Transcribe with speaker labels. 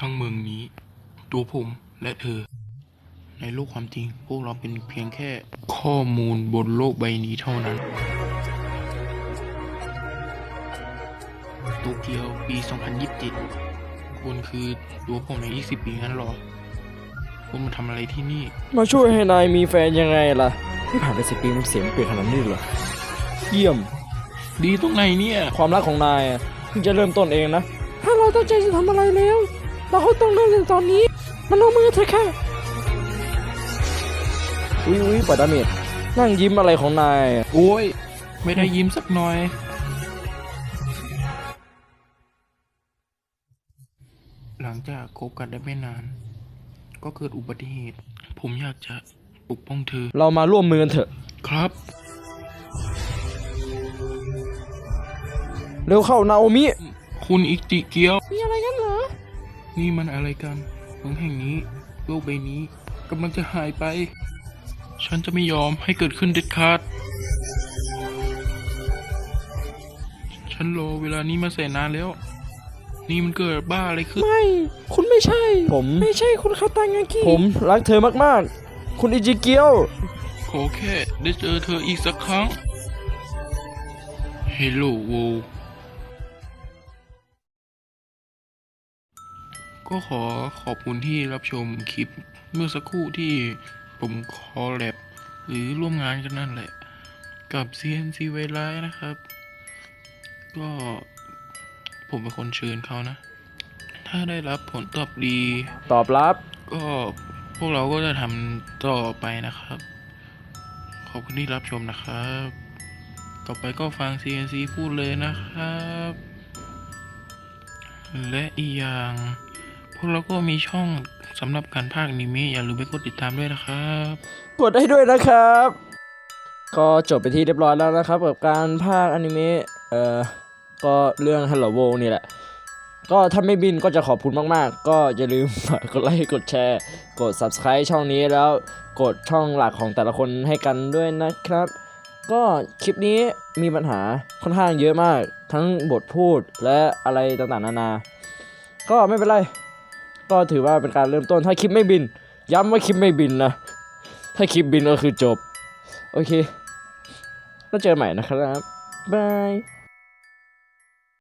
Speaker 1: ทั้งเมืองนี้ตัวผมและเธอในโลกความจริงพวกเราเป็นเพียงแค่ข้อมูลบนโลกใบนี้เท่านั้นโตเกียวปี 2027คุณคือตัวผมใน20 ปีงั้นหรอคุณมาทำอะไรที่นี่
Speaker 2: มาช่วยให้นายมีแฟนยังไงล่ะที่ผ่านไป10 ปีมันเสียงเปลี่ยนขนาดนี้เหรอเยี่ยม
Speaker 1: ดีตรงไหนเนี่ย
Speaker 2: ความรักของนายเพิ่งจะเริ่มต้นเองนะถ้าเราตั้งใจจะทำอะไรแล้วเราต้องเริ่มในตอนนี้มันลงมือเถอะค่ะอุ้ยปล่อยดาเมจนั่งยิ้มอะไรของนาย
Speaker 1: โอ้ยไม่ได้ยิ้มสักหน่อยหลังจากคบกันได้ไม่นานก็เกิดอุบัติเหตุผมอยากจะปกป้องเธอ
Speaker 2: เรามาร่วมมือกันเถอะ
Speaker 1: ครับ
Speaker 2: เร็วเข้านาโอมิ
Speaker 1: คุณอิจิเกียว
Speaker 2: มีอะไรกันเหรอ
Speaker 1: นี่มันอะไรกันเมืองแห่งนี้โลกใบนี้กำลังจะหายไปฉันจะไม่ยอมให้เกิดขึ้นเด็ดขาดฉันรอเวลานี้มาแสนนานแล้วนี่มันเกิดบ้าอะไรขึ้น
Speaker 2: ไม่คุณไม่ใช่ผมไม่ใช่คุณคาตางากิผมรักเธอมากๆคุณอิจิเกียว
Speaker 1: ขอแค่ได้เจอเธออีกสักครั้งเฮลโลโวก็ขอบคุณที่รับชมคลิปเมื่อสักครู่ที่ผมคอลแลบหรือร่วมงานกันนั่นแหละกับ CNC ไวไลท์นะครับก็ผมเป็นคนเชิญเขานะถ้าได้รับผลตอบดี
Speaker 2: ตอบรับ
Speaker 1: ก็พวกเราก็จะทำต่อไปนะครับขอบคุณที่รับชมนะครับต่อไปก็ฟัง CNC พูดเลยนะครับและอีกอย่างพวกเราก็มีช่องสำหรับการพากย์อนิเมะอย่าลืมไปกดติดตามด้วยนะครับ
Speaker 2: กดได้ด้วยนะครับก็จบไปที่เรียบร้อยแล้วนะครับกับการพากย์อนิเมะก็เรื่อง Hello World นี่แหละก็ถ้าไม่บินก็จะขอบคุณมากๆก็อย่าลืมกดไลค์กดแชร์กด Subscribe ช่องนี้แล้วกดช่องหลักของแต่ละคนให้กันด้วยนะครับก็คลิปนี้มีปัญหาค่อนข้างเยอะมากทั้งบทพูดและอะไรต่างๆนานาก็ไม่เป็นไรก็ถือว่าเป็นการเริ่มต้นถ้าคลิปไม่บินย้ำว่าคลิปไม่บินนะถ้าคลิปบินก็คือจบโอเคแล้วเจอใหม่นะครับบาย